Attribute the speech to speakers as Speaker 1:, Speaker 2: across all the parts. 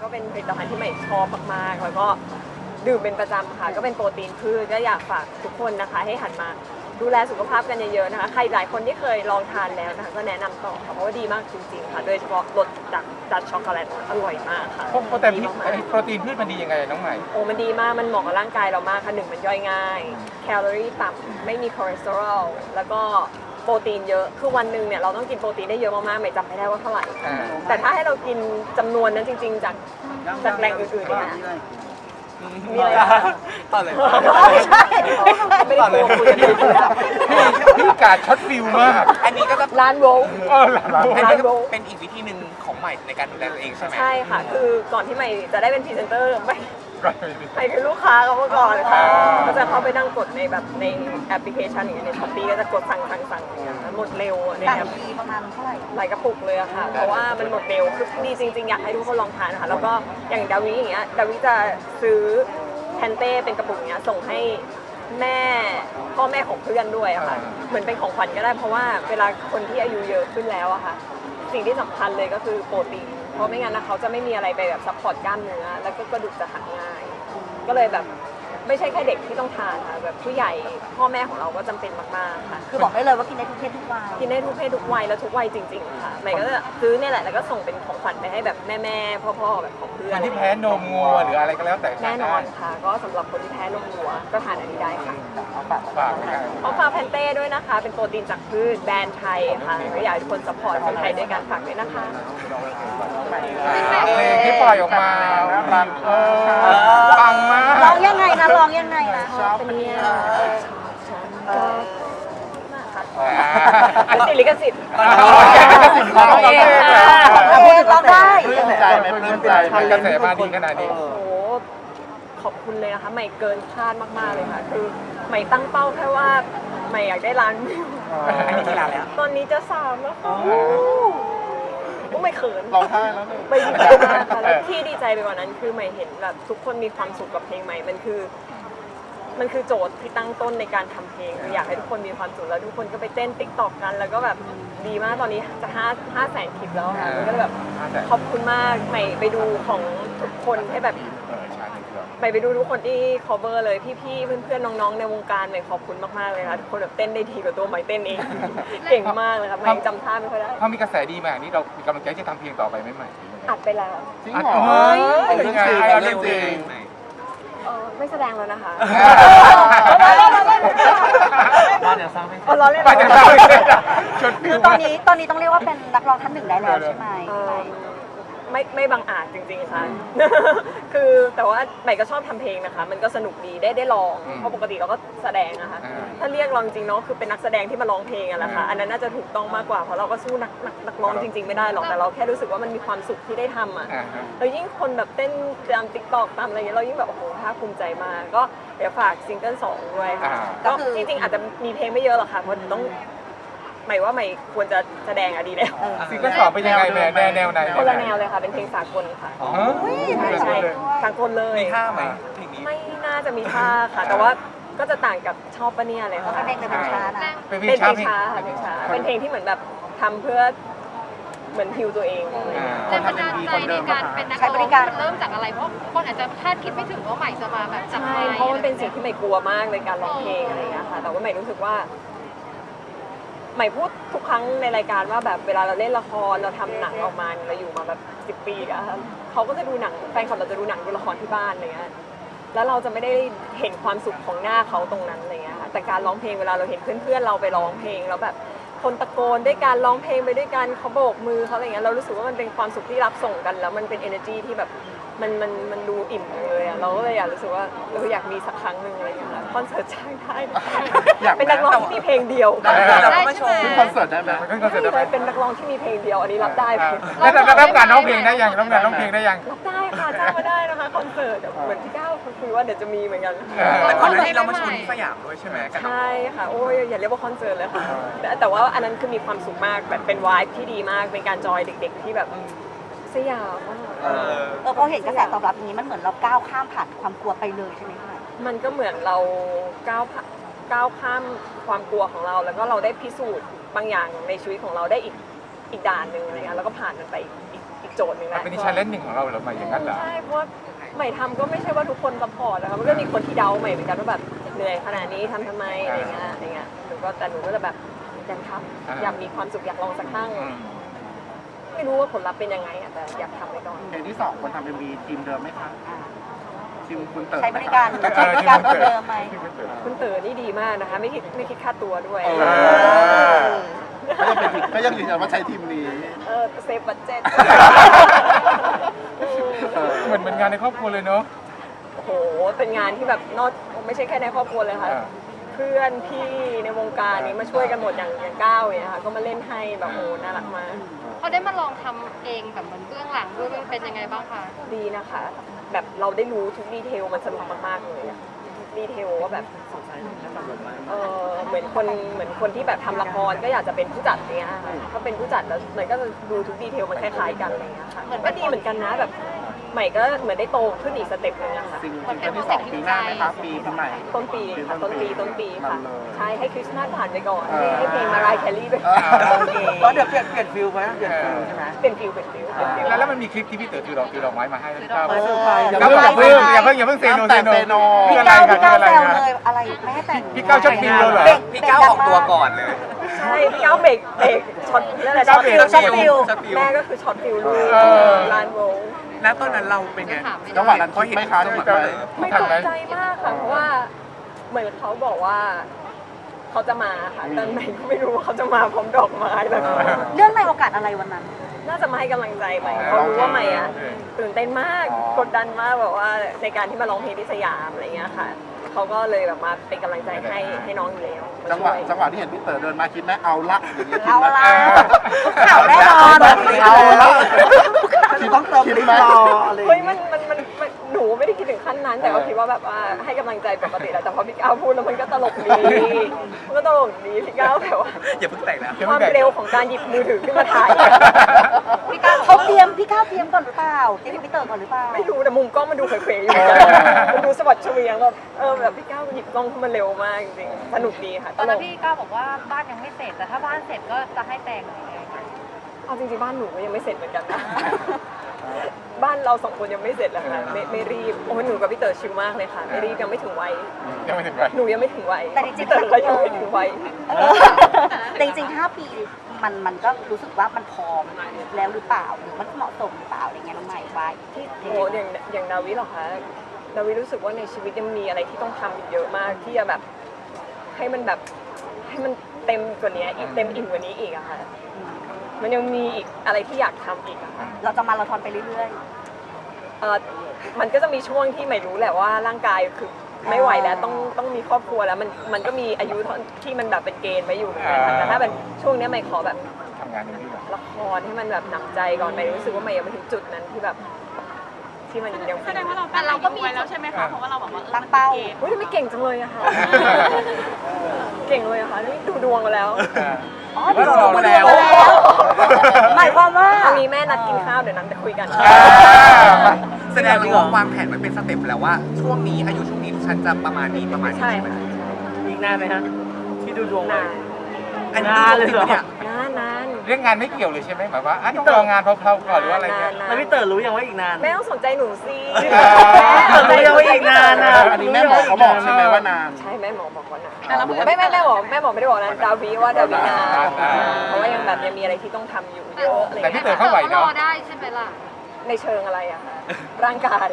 Speaker 1: ก็เป็นผลิตภัณฑ์ที่ใหม่ชอบมากๆแล้วก็ดื่มเป็นประจำค่ะก็เป็นโปรตีนพืชก็อยากฝากทุกคนนะคะให้หันมาดูแลสุขภาพกันเยอะๆนะคะใครหลายคนที่เคยลองทานแล้วนะคะก็แนะนำต่อค่ะเพราะว่าดีมากจริงๆค่ะโดยเฉพาะรสดักช็อกโกแลตอร่อยมากค่ะ
Speaker 2: โปรตีนพืชมันดียังไงน้องใหม่
Speaker 1: โอ้มันดีมากมันเหมาะกับร่างกายเรามากค่ะหนึ่งมันย่อยง่ายแคลอรี่ต่ำไม่มีคอเลสเตอรอลแล้วก็โปรตีนเยอะคือวันหนึ่งเนี่ยเราต้องกินโปรตีนได้เยอะมากๆไม่จำไม่ได้ว่าเท่าไหร่แต่ถ้าให้เรากินจำนวนนั้นจริงๆจากแหล่งอื่นๆเนี่ยมีอะไร
Speaker 3: ต่อเลย
Speaker 1: ไม่ใช่ไม่ได้โกงคุยกันเลย
Speaker 2: พี่การช็อตฟิลมาก
Speaker 3: อันนี้ก็จะ
Speaker 1: ร้านโวล
Speaker 3: อันนี้ก็เป็นอีกวิธีหนึ่งของใหม่ในการดูแลตัวเองใช่ไหม
Speaker 1: ใช่ค่ะคือก่อนที่ใหม่จะได้เป็นพรีเซนเตอร์ใหม่คือลูกค้าเขาเมื่อก่อนค่ะก็จะเข้าไปนั่งกดในแบบในแอปพลิเคชันอย่างเงี้ยในช้อปปี้ก็จะกดสั่งอย่างเงี้ยหมดเร็วเนี่ย
Speaker 4: ประมาณเท่าไหร่
Speaker 1: หลายกระปุกเลยอะค่ะเพราะว่ามันหมดเร็วคือดีจริงๆอยากให้ทุกคนลองทานค่ะแล้วก็อย่างดาวิอย่างเงี้ยดาวิจะซื้อแพนเต้เป็นกระปุกเนี้ยส่งให้แม่พ่อแม่ของเพื่อนด้วยอะค่ะเหมือนเป็นของขวัญก็ได้เพราะว่าเวลาคนที่อายุเยอะขึ้นแล้วอะค่ะสิ่งที่สำคัญเลยก็คือโปรตีนเพราะไม่งั้นนะเขาจะไม่มีอะไรไปแบบซัพพอร์ตกล้ามเนื้อแล้วก็กระดูกจะหักง่ายก็เลยแบบไม่ใช่แค่เด็กที่ต้องทานค่ะแบบผู้ใหญ่พ่อแม่ของเราก็จำเป็นมากๆค่ะ
Speaker 4: คือบอกได้เลยว่ากินได้ทุกเพศทุกวัย
Speaker 1: กินได้ทุกเพศทุกวัยแล้วทุกวัยจริงๆค่ะใหม่ก็จะซื้อเนี่ยแหละแล้วก็ส่งเป็นของขวัญไปให้แบบแม่ๆพ่อๆแบบของเพื่อน
Speaker 2: คนที่แพ้นมงัวหรืออะไรก็แล้วแต่
Speaker 1: แน่นอนค่ะก็สำหรับคนที่แพ้นมวัวก็ทานอันนี้ได้ค่ะ
Speaker 2: ฝาก
Speaker 1: เอาฟาแพนเต้ด้วยนะคะเป็นโปรตีนจากพืชแบรนด์ไทยค่ะก็อยากให้ทุกคนซัพพอร์ตคนไทยด้วยการฝากด้วยนะคะ
Speaker 2: เพลงที่ปล่อยออกมาปังมาก
Speaker 4: ร้องยังไงนะร้องยังไงนะ
Speaker 1: เป็นเนี่ยติดลิขสิทธิ์
Speaker 4: เราได้
Speaker 2: ปลื้มใจไหมปลื้มใจมันกระแสมาดีขนาดนี้
Speaker 1: โอ้โหขอบคุณเลยนะคะใหม่เกินคาดมากๆเลยค่ะคือใหม่ตั้งเป้าแค่ว่าใหม่อยากได้ล้านวิว
Speaker 3: อันนี้กี่ล้านแล้ว
Speaker 1: ตอนนี้จะ3แล้วค่ะไม่เขิน
Speaker 2: ร้องไห้แล้ว
Speaker 1: ไม่ดีใจมากค่ะแล้วที่ดีใจไปกว่านั้นคือใหม่เห็นแบบทุกคนมีความสุขกับเพลงใหม่มันคือโจทย์ที่ตั้งต้นในการทำเพลงอยากให้ทุกคนมีความสุขแล้วทุกคนก็ไปเต้นติ๊กต็อกกันแล้วก็แบบดีมากตอนนี้จะ5 แสนคลิปแล้วค่ะก็แบบขอบคุณมากใหม่ไปดูของทุกคนให้แบบใหม่ไปดูทุกคนที่ cover เลยพี่ๆเพื่อนๆน้องๆในวงการใหม่ขอบคุณมากๆเลยค่ะทุกคนแบบเต้นได้ดีกว่าตัวใหม่เต้นเองเก่งมากเลยค่ะใหม่จำท่าไม่ค่อยได้
Speaker 2: พอมีกระแสดีมานี่เรามีกำลังใจจะทำเพลงต่อไปไหมใหม่
Speaker 1: อัดไปแล้ว
Speaker 2: จริงเหรอเป็นยังไงเรื่องจริง
Speaker 1: ไม่แสดงแล้วนะคะ
Speaker 3: บ้านเดี๋ยวสร้างไม่เสร็จ
Speaker 1: ล้อเล่น
Speaker 4: คือตอนนี้ต้องเรียกว่าเป็นนักร้องท่านหนึ่งได้แล้วใช่ไหม
Speaker 1: ไม่บังอาจจริงๆค่ะ คือแต่ว่าใหม่ก็ชอบทำเพลงนะคะมันก็สนุกดีได้ลองเพราะปกติเราก็แสดงนะคะถ้าเรียกร้องจริงเนาะคือเป็นนักแสดงที่มาร้องเพลงอะแหละค่ะอันนั้นน่าจะถูกต้องมากกว่าเพราะเราก็สู้นักร้องจริงๆไม่ได้หรอกแต่เราแค่รู้สึกว่ามันมีความสุขที่ได้ทำอะแล้วยิ่งคนแบบเต้นตามติ๊กต็อกตามอะไรเงี้ยเรายิ่งแบบโอ้โหภาคภูมิใจมากก็เดี๋ยวฝากซิงเกิล2ด้วยค่ะก็จริงๆอาจจะมีเพลงไม่เยอะหรอกค่ะเพราะต้องหมายว่าใหม่ควรจะแสดงอะดีแล้ว
Speaker 2: ซิงเกิล2เป็นยังไงแนวไหน
Speaker 1: คนละแนวเลยค่ะเป็นเพลงสากลค่ะใช่สากลเลย
Speaker 3: มีท่าไหมเพลงนี้
Speaker 1: ไม่น่าจะมีท่าค่ะแต่ว่าก็จะต่างกับชอบปะเนี่ยเลยค่ะ
Speaker 4: เป็นเพลงช้านะ
Speaker 1: เป็นเพลงช้าค่ะเพลงช้าเป็นเพลงที่เหมือนแบบทำเพื่อเหมือนฮิวตัวเอง
Speaker 5: แรงบันดาลใจในการเป็นนักร้องมันเริ่มจากอะไรเพราะคนอาจจะคาดคิดไม่ถึงว่าใหม่จะมาแบบจับไมค์
Speaker 1: เพราะมันเป็นสิ่งที่ใหม่กลัวมากในการร้องเพลงอะไรอย่างเงี้ยค่ะแต่ว่าใหม่รู้สึกว่าใหม่พูดทุกครั้งในรายการว่าแบบเวลาเราเล่นละครเราทำหนังออกมาเราอยู่มาแบบ10 ปีอะเขาก็จะดูหนังแฟนคลับเราจะดูหนังดูละครที่บ้านอะไรเงี้ยแล้วเราจะไม่ได้เห็นความสุขของหน้าเขาตรงนั้นอะไรเงี้ยค่ะแต่การร้องเพลงเวลาเราเห็นเพื่อนๆเราไปร้องเพลงแล้วแบบคนตะโกนด้วยการร้องเพลงไปด้วยกันเขาโบกมือเขาอะไรเงี้ยเรารู้สึกว่ามันเป็นความสุขที่รับส่งกันแล้วมันเป็น energy ที่แบบมันดูอิ่มเลยอะเราก็เลยอยากรู้สึกว่าเราอยากมีสักครั้งหนึ่งอะไรอย่างเงี้ยคอนเสิร์ตจ้างได้เป็นนักร้องที่มีเพลงเดียว
Speaker 3: เราก็มาโชว์
Speaker 2: คอนเสิร์ตได้ไหม
Speaker 1: เป็นนักร้องที่มีเพลงเดียวอันนี้รับได้
Speaker 2: แล้วรับการร้องเพลงได้ยังรับการร้องเพลงได้ยัง
Speaker 1: รับได้ค่ะจ้างมาได้นะคะคอนเสิร์ตเหมือนที่ก้าวคุยว่าเดี๋ยวจะมีเหมือนกัน
Speaker 3: แต่ก่อนหน้านี้เรามาโชว์ที่สยามด้วยใช่ไหม
Speaker 1: ใช่ค่ะโอ้ยอย่าเรียกว่าคอนเสิร์ตเลยค่ะแต่ว่าอันนั้นคือมีความสุขมากแบบเป็นวายที่ดีมากเป็นการจอยเด็กๆที่แบบสยามมาก
Speaker 4: พอเห็นกระแสตอบรับอย่างนี้มันเหมือนเราก้าวข้ามผ่านความกลัวไปเลยใช่ไหมคะ
Speaker 1: มันก็เหมือนเราก้าวข้ามความกลัวของเราแล้วก็เราได้พิสูจน์บางอย่างในชีวิตของเราได้อีกด่านหนึ่งอะไรเงี้ยแล้วก็ผ่านมันไปอีกโจทย์หนึ่ง
Speaker 2: มัน
Speaker 1: นะ
Speaker 2: เป็นชาเลนจ์หนึ่งของเราเหรอใหม่อย่างนั้นเหรอ
Speaker 1: ใช่เพราะว่าใหม่ทำก็ไม่ใช่ว่าทุกคนซัพพอร์ตนะคะมันก็มีคนที่เดาใหม่เหมือนกันว่าแบบเหนื่อยขนาดนี้ทำไมอะไรเงี้ยหนูก็จะแบบอยากทำอยากมีความสุขอยากลองสักครั้ง ไม่รู้ว่าผลลัพธ์เป็นยังไงอะแต่อยากทำไปก่อน
Speaker 6: เพลงที่2คนทำเป็นมีทีมเดิมไหมคะทีมคุณเต๋อ
Speaker 4: ใช้บริการคนเดิมไหม
Speaker 1: คุณเต๋อนี่ดีมากนะคะ ไม่คิดค่าตัวด้วย
Speaker 6: ก็ยังยืนยันว่าใช้ทีมนี้
Speaker 1: เซฟบัตเจ็ต
Speaker 2: เหมือนเป็นงานในครอบครัวเลยเนาะ
Speaker 1: โอ้โหเป็นงานที่แบบไม่ใช่แค่ในครอบครัวเลยค่ะ เพื่อนพี่ในวงการนี้มาช่วยกันหมดอย่างก้าวเนี่ยค่ะก็มาเล่นให้แบบโอ้น่ารักมาก
Speaker 5: พอได้มาลองทำเองแบบเหมือนเบื้องหลังด้วยเป็นยังไงบ้างคะ
Speaker 1: ดีนะคะ แบบเราได้รู้ทุกดีเทลมันสนุกมากๆเลยอะทุกดีเทลว่าแบบเหมือนคนที่แบบทำละครก็อยากจะเป็นผู้จัดเนี้ยค่ะถ้าเป็นผู้จัดแล้วมันก็จะดูทุกดีเทลมันคล้ายๆกันอะไรเงี้ยค่ะก็ดีเหมือนกันนะแบบใหม่ก็เหมือนได้โตขึ้นอีกสเต็ปนึงอะค่ะ
Speaker 6: ซิงเกิลที่2ปีหน้าไหมคะปีใหม่
Speaker 1: ต้นปีค่ะต้นปีค่ะ
Speaker 6: มันเลย
Speaker 1: ใช่ให้คริสต์มาสผ่านไปก่อนให้เพลงมารายแคลรี่ไป
Speaker 7: ก็เดี๋ยวเปลี่ยนฟิลไหมเปลี่ยนฟิลใช่ไหม
Speaker 1: เป็นฟิลเป็นฟิล
Speaker 2: แล้วมันมีคลิปที่พี่เต๋อถือดอกไม้มาให้แล้ว
Speaker 7: เซอร์ไพรส์
Speaker 2: อย่าเพิ่งเซโน
Speaker 4: พี่
Speaker 2: อะไร
Speaker 4: ก้าว
Speaker 2: กัน
Speaker 4: พี่ก้าว
Speaker 2: อะไร
Speaker 4: แซว
Speaker 2: กัน
Speaker 4: เลยอะไรไม่ให้แต่ง
Speaker 2: พี่ก้าวชอบฟิลเหรอ
Speaker 3: พี่ก้าวออกตัวก่อนเลย
Speaker 1: ใช่พี่ก้าวเบรกช็อตนั่นแหละ
Speaker 2: พี่ก้าวเบรก
Speaker 1: ช็อตฟิล
Speaker 3: ช็อตฟิล
Speaker 1: แม่ก็คือช็อตฟิลลูกลานโวล
Speaker 3: แล้วตอนนั้นเราเป็นไง
Speaker 6: จังหวะนั้นคิดไหมคะที่แบบ
Speaker 1: ไม่ตกใจมากค่ะเพราะว่าเหมือนเขาบอกว่าเขาจะมาค่ะแต่ใหม่ก็ไม่รู้ว่าเขาจะมาพร้อมดอกไม้แบบ
Speaker 4: เรื่องในโอกาสอะไรวันนั้น
Speaker 1: น่าจะมาให้กำลังใจใหม่เขารู้ว่าใหม่อะตื่นเต้นมากกดดันมากแบบว่าในการที่มาร้องเพลงที่สยามอะไรเงี้ยค่ะเขาก็เลยแบบมาเป็นกำลังใจให้น้องอยู่แล้วมา
Speaker 6: จังห
Speaker 1: ช่
Speaker 6: วะ
Speaker 1: วย
Speaker 6: จังหวะที่เห็นพี่เต๋อเดินมาคิดไหมเอาละอย่างเงี้ยคิด
Speaker 4: เอา
Speaker 6: ไหม
Speaker 4: ละข่าวแน่นอน
Speaker 6: เอาละ
Speaker 7: คิดต้องเติม
Speaker 6: คิด
Speaker 7: ลิป
Speaker 6: ไหม
Speaker 7: รออะไรอย่าง
Speaker 1: เฮ้ย
Speaker 7: เงี้ย
Speaker 1: มันหนูไม่ได้คิดถึงขั้นนั้น แต่ก็คิดว่าแบบว่าให้กำลังใจปกติแหละแต่พอพี่ก้าวพูดแล้วมันก็ตลกดีมันก็ตลกดีพี่ก้าวแบบว่า
Speaker 3: อย่าเพิ่งแต่งนะ
Speaker 1: ความเร็วของการหยิบมือถือขึ้นมาถ่าย
Speaker 4: พี่ก้าวพี่ก้าวเตรียมก่อนหรือเปล่าเตรียมพี่เต๋อก่อนหรือเปล่า
Speaker 1: ไม่รู้แต่มุมกล้องมันดูเขวๆอยู่เหมือนกันมันดูสะบัดเฉวียงแบบแบบพี่ก้าวหยิบกล้องขึ้นมาเร็วมากจริงๆสนุกดีค่ะ
Speaker 5: ต
Speaker 1: ต
Speaker 5: อน
Speaker 1: ล
Speaker 5: นั้น
Speaker 1: ก
Speaker 5: พี่ก้าวบอกว่าบ้านยังไม่เสร็จแต่ถ้าบ้านเสร็จก็จะให้แต่งอะไรอย่างเงี้ย
Speaker 1: เอาจริงๆบ้านหนูก็ยังไม่เสร็จเหมือนกันนะบ้านเราสองคนยังไม่เสร็จเลยค่ะไม่รีบโอ้หนูกับพี่เต๋อชิลมากเลยค่ะไม่รีบยังไม่ถึงวัย
Speaker 2: ยังไม่ถึงไป
Speaker 1: หนูยังไม่ถึงวัย
Speaker 4: แต่จริงๆ
Speaker 1: พี่เต๋อก็ยังไม่ถึงวัย
Speaker 4: แต่จริงๆ5 ปีมันก็รู้สึกว่ามันพร้อมแล้วหรือเปล่าหรือมันเหมาะสมหรือเปล่าอะไรเงี้ยน้องใหม่ไว้ที่
Speaker 1: โอ้อย่างนาวิเหรอคะนาวิรู้สึกว่าในชีวิตยังมีอะไรที่ต้องทำอีกเยอะมากที่จะแบบให้มันเต็มกว่านี้อีกเต็มอิ่มกว่านี้อีกอะค่ะมันยังมีอีกอะไรที่อยากทำอีกอะค่ะ
Speaker 4: เราจะมาราธอนไปเรื่อย
Speaker 1: มันก็จะมีช่วงที่ไม่รู้แหละว่าร่างกายคือไม่ไหวแล้วต้องมีครอบครัวแล้วมันก็มีอายุที่มันแบบเป็นเกณฑ์ไว้อยู่เหมือนกันค่ะแต่ถ้าเป็นช่วงนี้ไม่ขอแบบ
Speaker 2: ทำงานอย่างนี้ก่อน
Speaker 1: ละครให้มันแบบหนำใจก่อนไปรู้สึกว่าไม่ยังไม่ถึงจุดนั้นที่แบบที่มันยัง
Speaker 8: แสดงว่าเราก็มีไว้แล้วใช่ไหมคะ เพราะว่าเราบอกว่า
Speaker 4: ๆตั้งเป้า
Speaker 1: อุ้ยไม่เก่งจังเลยอะค่ะ เก่งเลยอะค่ะนี่ดูดวงมาแล้ว
Speaker 4: อ๋อ
Speaker 3: ว่าเราลองมาแล้ว
Speaker 4: หมายความว่า
Speaker 1: ตอนนี้แม่นัดกินข้าวเดี๋ยวนั้นจะคุยกัน
Speaker 3: แสดงว่าวางแผนไว้เป็นสเต็ปแล้วว่าช่วงนี้อายุช่วงนี้ฉันจะประมาณนี้ประมาณนี้
Speaker 1: ใช่
Speaker 3: ใช่ไหม
Speaker 1: ค่ะ
Speaker 7: อีกนานไหมฮะที่ดูดวงไว้
Speaker 1: นาน
Speaker 3: อันนี้ดูจริงปะเนี่ย
Speaker 1: นาน
Speaker 2: เรื่องงานไม่เกี่ยวเลยใช่ไหมหมายว่าต้องรองานเพลาๆก่อนหรือว่าอะไรเงี้ย
Speaker 7: แล้วพี่เต๋อรู้ยังว่าอีกนาน
Speaker 1: แม่ต้องสนใจหนูสิ
Speaker 7: เต๋อรู้ยังว่าอีกนานนะ
Speaker 6: อันนี้แม่หมอเขาบอกใช่ไหมว่านาน
Speaker 1: ใช่แม่หมอบอกว่านะไม่แม่บอกไม่ได้บอกนะดาวีว่าดาวีนานเพราะว่ายังแบบยังมีอะไรที่ต้องทำอยู่เยอะอะไร
Speaker 2: แต่พี่
Speaker 1: เงี้ย
Speaker 2: เต๋อเข้าไหว
Speaker 5: ร
Speaker 2: เนาะ
Speaker 5: อได้ใช่ไหมล่ะ
Speaker 1: ในเชิงอะไรอะคะร่างกาย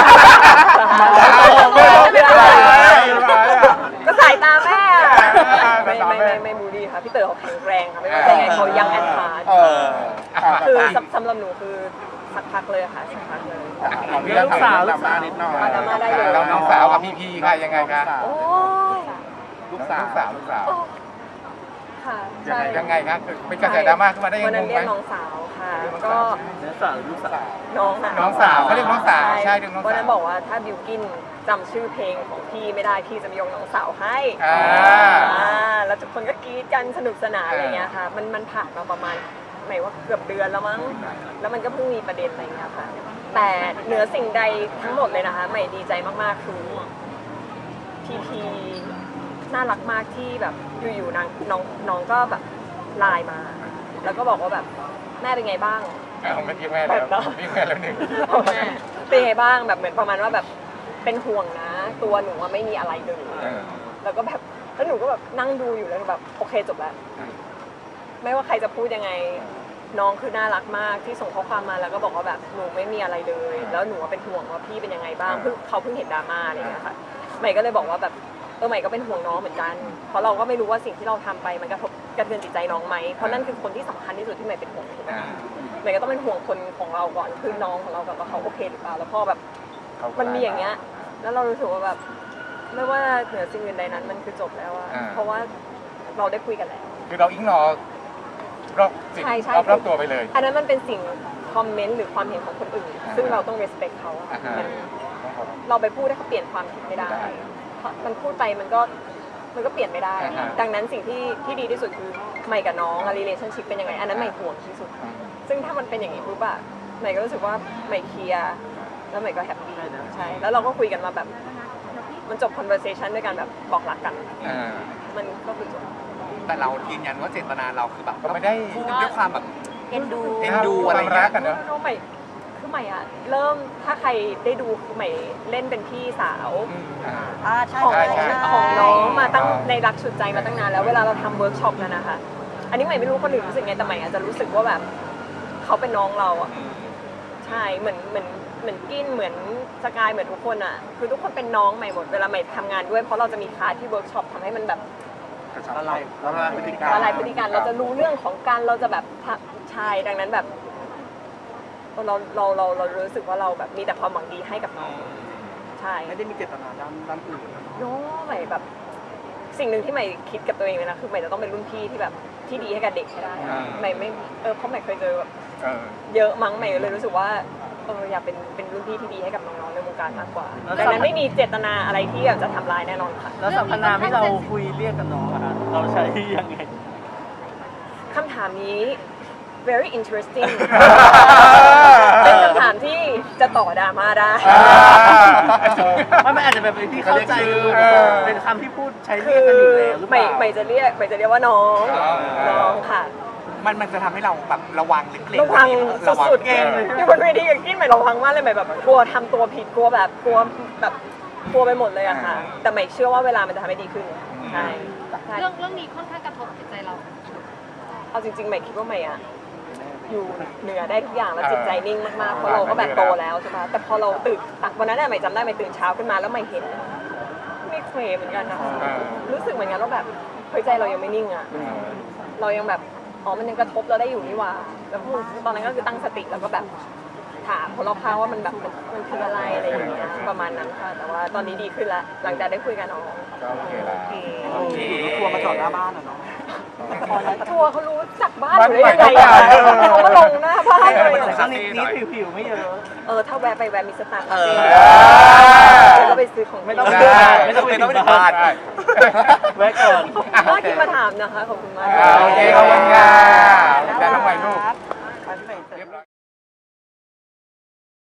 Speaker 1: ก็สายตาแม่อะไม่บูลลี่ค่ะพี่เต๋อเขาแข็งแรงค่ะไม่ว่าจะยังไงเขายังแอนทาร์ คือสำหรับหนูคือสักพักเลยค่ะสักพักเลย
Speaker 6: ของพี่ถามดราม่านิดหน่อย
Speaker 1: ดราม่าได้เลย
Speaker 2: น้องสาวกับพี่ค่ะยังไงคะ
Speaker 1: โอ้ย
Speaker 6: ลูกสาว
Speaker 2: ลูกสาว
Speaker 1: ค่ะใช่
Speaker 2: ยังไงครับเป็นกระแสดราม่าขึ้นมาได้ยัง
Speaker 1: วัน
Speaker 2: ไง
Speaker 1: นั้น
Speaker 2: ง
Speaker 1: เรีย
Speaker 2: ไห
Speaker 1: ก
Speaker 2: ม
Speaker 1: น้องสาวค่ะก็
Speaker 7: เนื้อสาวหรือลูกสาว
Speaker 1: น้องค่ะ
Speaker 2: น้องสาวเขาเรียกน้องสาวใช่เรียกน้องสาว
Speaker 1: วันนั้นบอกว่าถ้าบิวกินจำชื่อเพลงของพี่ไม่ได้พี่จะมายกน้องสาวให้ แล้วทุกคนก็กรี๊ดกันสนุกสนานอะไรเงี้ยค่ะมันผ่านมาประมาณหมายว่าเกือบเดือนแล้วมั้งแล้วมันก็เพิ่งมีประเด็นอะไรเงี้ยค่ะแต่เหนือสิ่งใดทั้งหมดเลยนะคะใหม่ดีใจมากๆคือพีน่ารักมากที่แบบอยู่ๆน้องก็แบบไลน์มา แล้วก็บอกว่าแบบแม่เป็นไงบ้าง
Speaker 2: เอาไม่ทิ้งแม่แล้วทิ้งแม่แล้วหนึ่ง
Speaker 1: เป็นไงบ้างแบบเหมือนประมาณว่าแบบเป็นห่วงนะ ตัวหนูว่าไม่มีอะไรเลย แล้วก็แบบแล้วหนูก็แบบนั่งดูอยู่แล้วแบบโอเคจบแล้ว ไม่ว่าใครจะพูดยังไงน้องคือน่ารักมากที่ส่งข้อความมาแล้วก็บอกว่าแบบหนูไม่มีอะไรเลย แล้วหนูเป็นห่วงว่าพี่เป็นยังไงบ้างเขาเพิ่งเห็นดราม่าอะไรอย่างเงี้ยค่ะใหม่ก็เลยบอกว่าแบบใหม่ก็เป็นห่วงน้องเหมือนกันเพราะเราก็ไม่รู้ว่าสิ่งที่เราทำไปมันกระทบกระเทือนจิตใจน้องไหมเพราะนั่นคือคนที่สำคัญที่สุดที่ใหม่เป็นห่วงถูกไหมใหม่ก็ต้องเป็นห่วงคนของเราก่อนคือน้องของเราแบบว่าเขาโอเคหรือเปล่าแล้วพอแบบมันมีอย่างเงี้ยแล้วเรารู้สึกว่าแบบไม่ว่าเหนือสิ่งอื่นใดนั้นมันคือจบแล้วอะเพราะว่าเราได้คุยกันแล้ว
Speaker 2: คือเราอิงนอรอบสิ่งรอบตัวไปเลย
Speaker 1: อันนั้นมันเป็นสิ่งคอมเมนต์หรือความเห็นของคนอื่น ซึ่งเราต้อง respect เขาอะเราไปพูดให้เขาเปลี่ยนความคิดไม่ได้เพราะมันพูดไปมันก็เปลี่ยนไม่ได้ ดังนั้นสิ่งที่ดีที่สุดคือใหม่กับน้อง relationship เป็นยังไงอันนั้นใหม่ห่วงที่สุด ซึ่งถ้ามันเป็นอย่างนี้ปุ๊บอะใหม่ก็รู้สึกว่าใหม่เคลียร์แล้วใหม่ก็แฮปปี้ใช่แล้วเราก็คุยกันมาแบบมันจบ conversation ด้วยการแบบบอกรักกันมันก็คือจบ
Speaker 3: แต่เรายืนยันว่าเจตนาเราคือแบบ
Speaker 2: ก็ไม่ได้
Speaker 3: พูดด้วยความแบบ
Speaker 4: เอ็นดู
Speaker 3: เอ็นดูอะไร
Speaker 2: ความรั
Speaker 3: เงี้
Speaker 2: ก
Speaker 3: ย
Speaker 2: กันเนอะ
Speaker 1: น้องใหม่คือใหม่อะเริ่มถ้าใครได้ดูคือใหม่เล่นเป็นพี่สาว
Speaker 4: ใช่
Speaker 1: ของ
Speaker 4: ใช่ใช่
Speaker 1: ของน้องมาตั้งในรักชุดใจมาตั้งนานแล้วเวลาเราทำเวิร์กช็อปนั่นนะคะอันนี้ใหม่ไม่รู้คนอื่นรู้สึกไงแต่ใหม่อาจจะรู้สึกว่าแบบเขาเป็นน้องเราอะใช่เหมือนกินเหมือนสกายเหมือนทุกคนอะคือทุกคนเป็นน้องใหม่หมดเวลาใหม่ทำงานด้วยเพราะเราจะมีคลาสที่เวิร์กช็อปทำให้มันแบบ
Speaker 6: ละลายพฤติกรรม
Speaker 1: อะไรพฤติการเราจะรู้เรื่องของการเราจะแบบใช่ดังนั้นแบบเรารู้สึกว่าเราแบบมีแต่ความหวังดีให้กับน้องใช่
Speaker 6: ไม่ได้มีเจตนาด้านอื่น
Speaker 1: โน้ใหม่แบบสิ่งหนึ่งที่ใหม่คิดกับตัวเองเลยนะคือใหม่จะต้องเป็นรุ่นพี่ที่แบบที่ดีให้กับเด็กให้ได้ใหม่ไม่เพราะใหม่เคยเจอแบบเยอะมั้งใหม่เลยรู้สึกว่าอยากเป็นรุ่นพี่ที่ดีให้กับน้องๆในวงการมากกว่าดังนั้นไม่มีเจตนาอะไรที่อยากจะทำร้ายแน่นอนค่ะ
Speaker 7: แล้วสรรพนามที่เราคุยเรียกกับน้องอะฮะเราใช้ยังไง
Speaker 1: คำถามนี้ very interesting เป็นคำถามที่จะต่อดราม่าได้
Speaker 7: มันอาจจะแบบเป็นที่เข้าใจเป็นคำที่พูดใช้เรี
Speaker 1: คื
Speaker 7: ยก
Speaker 1: อ
Speaker 7: กันอยู่แล้วหรือเป
Speaker 1: ใหม่
Speaker 7: ล่า
Speaker 1: ใหม่จะเรียกว่าน้องค่ะ
Speaker 3: มันจะทำให้เราแบบระวังเล็กๆ
Speaker 1: ระวัง
Speaker 3: ระวัง
Speaker 1: สุดๆอยู่บนเวทีกับกิ้นใหม่ระวังมากเลยใหม่แบบกลัวทำตัวผิดกลัวไปหมดเลยอะค่ะ แต่ใหม่เชื่อว่าเวลามันจะทำให้ดีขึ้นใช่ใช่
Speaker 5: เรื่องนี้ค่อนข้างกระทบจิตใจเรา
Speaker 1: เอาจริงๆใหม่คิดว่าใหม่อะอยู่เหนือได้ทุกอย่างแล้วจิตใจนิ่งมากๆเพราะเราก็แบบโตแล้วใช่ปะแต่พอเราตื่นวันนั้นใหม่จำได้ใหม่ตื่นเช้าขึ้นมาแล้วใหม่เห็นไม่เคยเหมือนกันนะคะรู้สึกเหมือนกันว่าแบบเฮ้ยใจเรายังไม่นิ่งอะเรายังแบบมันยังกระทบเราได้อยู่นี่หว่าแล้วตอนนั้นก็คือตั้งสติแล้วก็แบบถามคนรอบข้างว่ามันแบบมันคืออะไรอะไรอย่างเงี้ยประมาณนั้นค่ะแต่ว่าตอนนี้ดีขึ้นแล้วหลังจากได้คุยกันน้อง
Speaker 2: ก็โอเคแล้ว
Speaker 6: ทัวร์มาจอดหน้าบ้านอ่ะเนาะ
Speaker 1: ทัวร์เขารู้จักบ้านอยู่ได้ยังไงอะเขามาลงหน้าบ้านเลย
Speaker 7: แต่ก็นิดผิวไม่เยอะ
Speaker 1: ถ้าแวะไปแวะมีสตางค์ก็ไปซื้อของ
Speaker 7: ไม่ต้อง
Speaker 3: ไม่ต้องเป็นบ้าน
Speaker 7: แวะก่อน
Speaker 1: น่าคิดมาถามนะคะขอบคุณมาก
Speaker 2: โอเคขอบคุณค่ะแล้วทำไมลูก